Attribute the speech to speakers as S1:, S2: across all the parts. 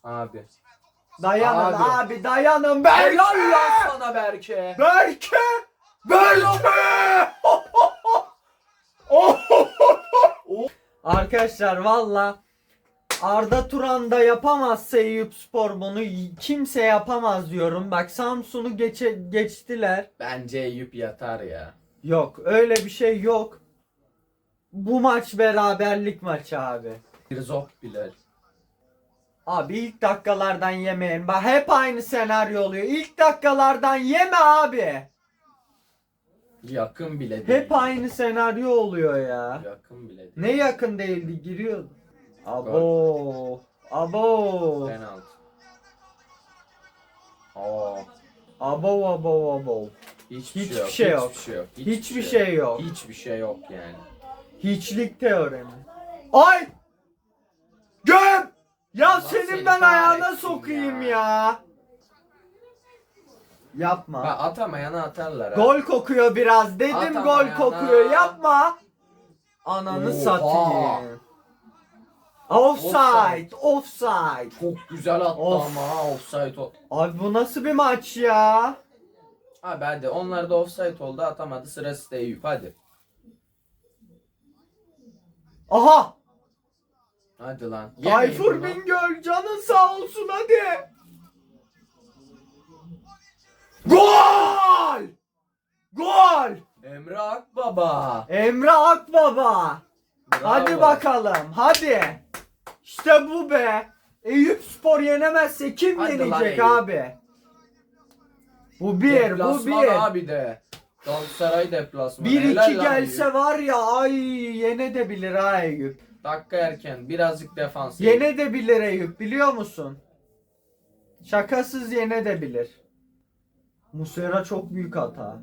S1: Abi.
S2: Dayanın
S1: Abi.
S2: abi dayanın. Berke.
S1: Helal lan sana Berke.
S2: Berke. Berke. Arkadaşlar valla Arda Turan da yapamazsa Eyüpspor bunu kimse yapamaz diyorum. Bak Samsun'u geçtiler.
S1: Bence Eyüp yatar ya.
S2: Yok öyle bir şey yok. Bu maç beraberlik maçı abi.
S1: Bir zop bile.
S2: Abi ilk dakikalardan yemeyin. Bak hep aynı senaryo oluyor. İlk dakikalardan yeme abi.
S1: Yakın bile değil.
S2: Hep aynı senaryo oluyor ya.
S1: Yakın bile değil.
S2: Ne yakın değildi giriyordu. Abo. Abo.
S1: Penaltı. Oo.
S2: Abo.
S1: Hiçbir
S2: şey yok.
S1: Hiçbir şey yok.
S2: Hiçbir şey yok.
S1: Hiçbir şey yok yani.
S2: Hiçlik teoremi. Ay! Göm! Ya
S1: Allah
S2: senin
S1: seni
S2: ben ayağına
S1: kahretsin
S2: sokayım
S1: ya.
S2: ya. Yapma.
S1: Bak atamayana atarlar ha.
S2: Gol kokuyor biraz. Dedim
S1: Atama
S2: gol
S1: ya.
S2: kokuyor. Yapma. Ananı
S1: Oha.
S2: satayım. Offside.
S1: Çok güzel attı
S2: Of.
S1: ama ha, offside oldu.
S2: Abi bu nasıl bir maç ya?
S1: Abi hadi onlar da offside oldu, atamadı, sırası da Eyüp, hadi.
S2: Aha!
S1: Hadi lan.
S2: Tayfur
S1: Yemeyin bunu.
S2: Bingöl canın sağ olsun hadi. Gol! Gol!
S1: Emre Akbaba.
S2: Emre Akbaba.
S1: Bravo.
S2: Hadi bakalım. Hadi. İşte bu be. Eyüpspor yenemezse kim
S1: Hadi lan
S2: yenecek
S1: Eyüp.
S2: abi? Bu bir.
S1: Deplasman abi de. Galatasaray deplasmanı.
S2: 1-2
S1: Helal lan
S2: gelse
S1: Eyüp.
S2: var ya ay yenebilir ha Eyüp.
S1: Dakika erken birazcık defans.
S2: Yenebilir Eyüp biliyor musun? Şakasız yenebilir. Muslera çok büyük hata.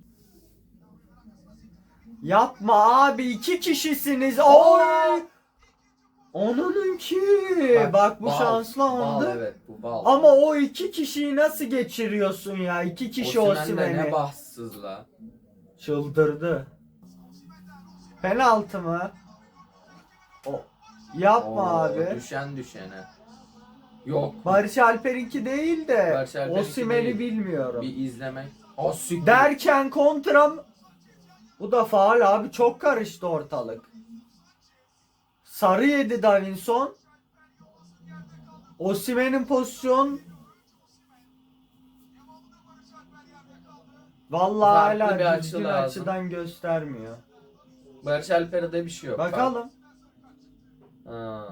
S2: Yapma abi 2 kişisiniz. Oy! Onunki. Bak bu
S1: bal,
S2: şanslı
S1: bal,
S2: andı.
S1: evet bu bal.
S2: Ama o 2 kişiyi nasıl geçiriyorsun ya? 2 kişi
S1: Osimhen de ne
S2: Osimhen'i.
S1: bahtsız la.
S2: Çıldırdı. Penaltı mı? O. Yapma
S1: Oo,
S2: abi.
S1: düşen düşene. Yok.
S2: Barış Alper'inki değil de
S1: Barış Alper'inki
S2: Osimhen'i
S1: değil.
S2: bilmiyorum.
S1: Bir izlemek. O siktir.
S2: Derken kontram. Bu da faul abi, çok karıştı ortalık. Sarı yedi Davinson. Osimhen'in pozisyon. Vallahi
S1: Farklı bir
S2: hala
S1: açı
S2: düzgün
S1: lazım.
S2: açıdan göstermiyor.
S1: Barış Alper'de bir şey yok.
S2: Bakalım.
S1: Ha,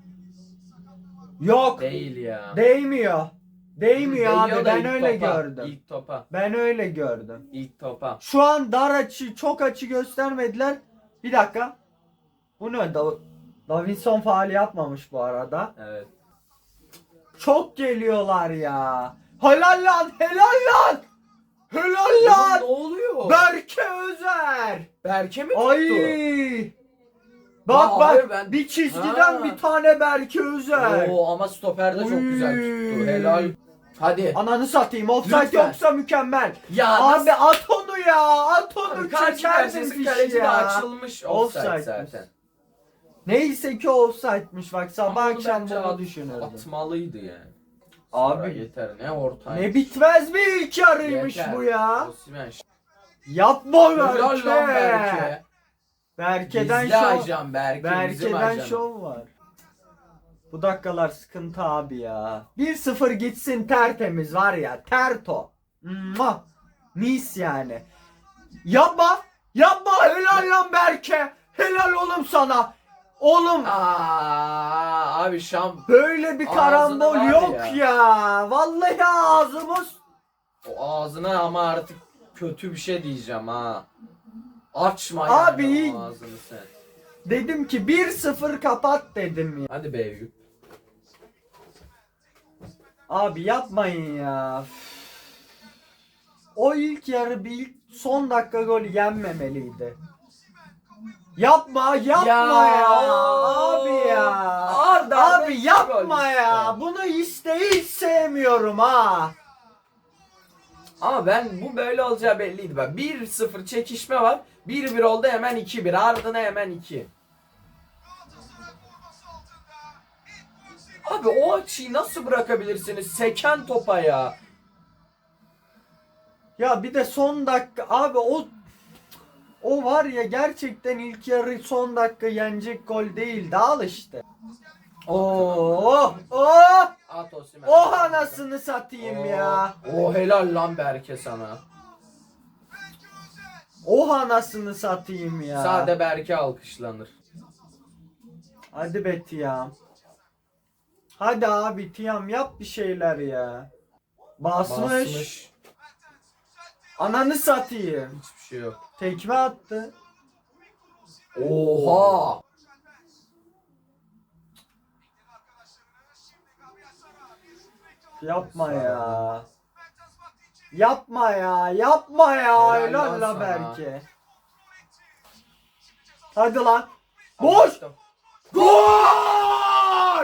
S2: Yok.
S1: değil ya.
S2: Değmiyor. Değmiyor
S1: Değiyor
S2: abi,
S1: da
S2: ben
S1: ilk
S2: öyle
S1: topa,
S2: gördüm.
S1: İlk topa.
S2: Ben öyle gördüm.
S1: İlk topa.
S2: Şu an dar açı, çok açı göstermediler. Bir dakika. Bu ne? Davinson faal yapmamış bu arada.
S1: Evet.
S2: Çok geliyorlar ya. Helal lan, helal lan. Helal
S1: Oğlum,
S2: lan.
S1: ne oluyor?
S2: Berke Özer.
S1: Berke mi tuttu?
S2: Ay. Bak
S1: Aa,
S2: bak,
S1: hayır, ben-
S2: bir çizgiden
S1: Ha.
S2: bir tane Berke Özer.
S1: Oo, ama stoper de çok güzel tuttu. Helal. Hadi.
S2: Ananı satayım, offside
S1: Lütfen.
S2: yoksa mükemmel.
S1: Ya
S2: Abi at onu ya, at onu,
S1: karşı
S2: çekerdin
S1: karşısı
S2: fişi
S1: kaleci de
S2: ya.
S1: açılmış. Offside
S2: Offside'miş.
S1: zaten.
S2: Neyse ki offside'miş, bak sabah
S1: Ama onu
S2: akşam
S1: bence
S2: bunu düşünürdüm.
S1: atmalıydı yani.
S2: Abi.
S1: Sonra yeter, ne ortaymış.
S2: Ne bitmez bir ilk yarıymış
S1: Yeter.
S2: bu ya.
S1: Osimhen.
S2: Yapma
S1: Helal lan
S2: Berke.
S1: Berke.
S2: Berke'den
S1: Gizli
S2: şov.
S1: ajan Berke. bizim
S2: Berke'den
S1: ajanı.
S2: şov var. Bu dakikalar sıkıntı abi ya. 1-0 gitsin tertemiz var ya. Terto. Mwah. Mis yani. Yapma. Yapma. Helal lan Berke. Helal oğlum sana. Oğlum
S1: Abi Şam.
S2: böyle bir
S1: Ağzını
S2: karambol
S1: var
S2: yok
S1: ya.
S2: ya. Vallahi ağzımız.
S1: O ağzına ama artık kötü bir şey diyeceğim ha. Açma
S2: Abi.
S1: yani o ağzını sen.
S2: Dedim ki 1-0 kapat dedim ya.
S1: Hadi be Eyüp.
S2: Abi yapmayın ya. O ilk yarı bir son dakika golü yenmemeliydi. Yapma ya. Abi ya.
S1: Arda
S2: Abi yapma ya. Bunu hiç sevmiyorum ha.
S1: Ama ben bu böyle olacağı belliydi. Bak 1-0 çekişme var. 1-1 oldu, hemen 2-1. Ardına hemen 2. Abi o açıyı nasıl bırakabilirsiniz? Seken topa ya.
S2: Ya bir de son dakika abi o var ya gerçekten ilk yarı son dakika yenecek gol değildi. Al işte. Oh oh
S1: At Osimhen.
S2: oh anasını satayım ya.
S1: Oh helal lan Berke sana.
S2: Oh anasını satayım ya.
S1: Sade Berke alkışlanır.
S2: Hadi be Tiyam. Hadi abi Tiyam yap bir şeyler ya. Basmış. Ananı satayım.
S1: Hiçbir şey yok.
S2: Tekme attı.
S1: Oha.
S2: Yapma ya. Yapma ya. Yapma ya.
S1: Helal
S2: Helal
S1: lan
S2: la
S1: sana.
S2: belki. Hadi lan. Boş.
S1: Açtım.
S2: Gol!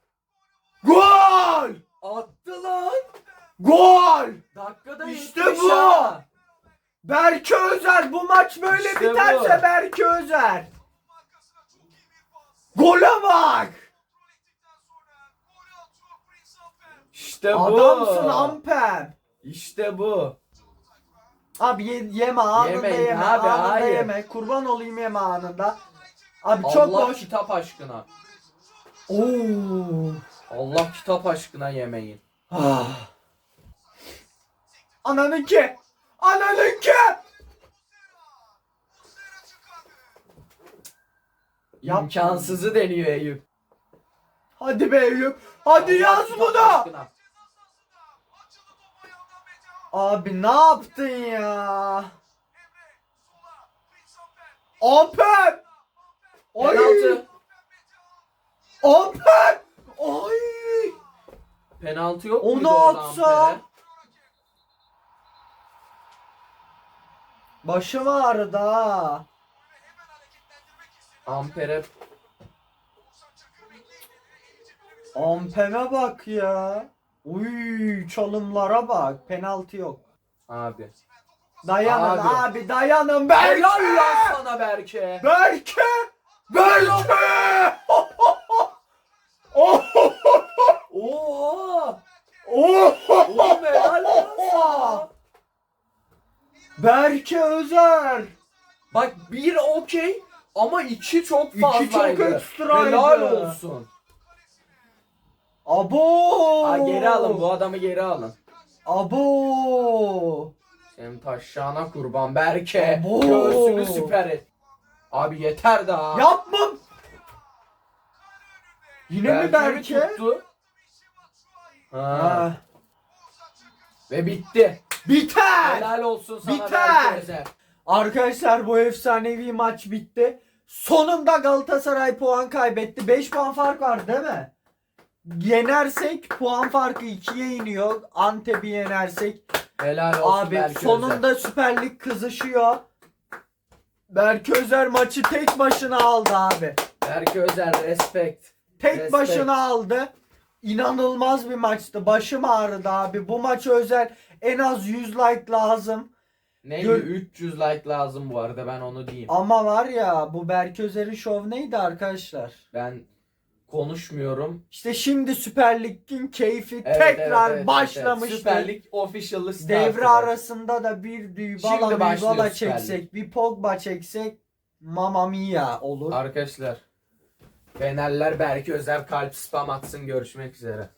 S2: Gol!
S1: Attı lan.
S2: Gol!
S1: Dakikada
S2: İşte
S1: 75
S2: bu.
S1: ha.
S2: Berke Özer bu maç böyle
S1: İşte
S2: biterse
S1: bu.
S2: Berke Özer. Gole bak!
S1: İşte bu.
S2: Adamsın Amper.
S1: İşte bu.
S2: Abi yeme anında
S1: Yemeyin
S2: yeme.
S1: abi,
S2: Anında
S1: hayır.
S2: yeme. Kurban olayım yeme anında. Abi çok
S1: Allah
S2: boş.
S1: kitap aşkına.
S2: Oo.
S1: Allah kitap aşkına yemeyin.
S2: Ah. Ananınki. Ananınki. Yapma.
S1: İmkansızı deniyor Eyüp.
S2: Hadi be Eyüp. Hadi
S1: Allah
S2: yaz
S1: kitap
S2: bunu.
S1: aşkına.
S2: Abi ne yaptın ya? Amper. Ay.
S1: Penaltı.
S2: Amper. Ay.
S1: Penaltı yok
S2: Onu
S1: muydu orada
S2: atsa.
S1: Amper'e?
S2: Başım ağrıdı ha.
S1: Amper'e
S2: Amper'e bak ya. Uy çalımlara bak. Penaltı yok.
S1: abi.
S2: Dayanın
S1: Abi.
S2: abi, dayanın. Berke.
S1: Helal lan sana Berke.
S2: Berke. Berke.
S1: Oha.
S2: Oh.
S1: Oğlum helal lan sana.
S2: Berke Özer.
S1: Bak bir okey ama iki çok
S2: İki
S1: fazlaydı.
S2: çok ekstraydı.
S1: Helal olsun.
S2: Abo.
S1: Ha, geri alın bu adamı geri alın.
S2: Abo.
S1: Senin taşşağına kurban Berke.
S2: Abo.
S1: Göğsünü süper et. Abi yeter daha.
S2: Yapma. Yine mi
S1: Berke
S2: Berke?
S1: tuttu? Ha.
S2: Ha.
S1: Ve bitti.
S2: Biter.
S1: Helal olsun sana
S2: Biter.
S1: Berke Özer.
S2: Arkadaşlar bu efsanevi maç bitti. Sonunda Galatasaray puan kaybetti. 5 puan fark var değil mi? Yenersek puan farkı 2'ye iniyor. Antep'i yenersek.
S1: Helal olsun
S2: Abi
S1: Berke
S2: sonunda
S1: Özer.
S2: Süper Lig kızışıyor. Berke Özer maçı tek başına aldı abi.
S1: Berke Özer respect.
S2: Tek
S1: Respect.
S2: başına aldı. İnanılmaz bir maçtı. Başım ağrıdı abi. Bu maç özel en az 100 like lazım.
S1: Neydi?
S2: Gör-
S1: 300 like lazım bu arada ben onu diyeyim.
S2: Ama var ya bu Berke Özer'in şov neydi arkadaşlar?
S1: Ben konuşmuyorum.
S2: İşte şimdi Süper Lig'in keyfi
S1: Evet,
S2: tekrar
S1: evet.
S2: başlamıştır.
S1: Süper Lig official'ı start
S2: Devre
S1: eder.
S2: arasında da bir Dybala
S1: Şimdi başlıyor
S2: Mybala
S1: Süper Lig.
S2: çeksek, bir Pogba çeksek Mamma Mia olur.
S1: Arkadaşlar Fenerler Berke Özer kalp spam atsın, görüşmek üzere.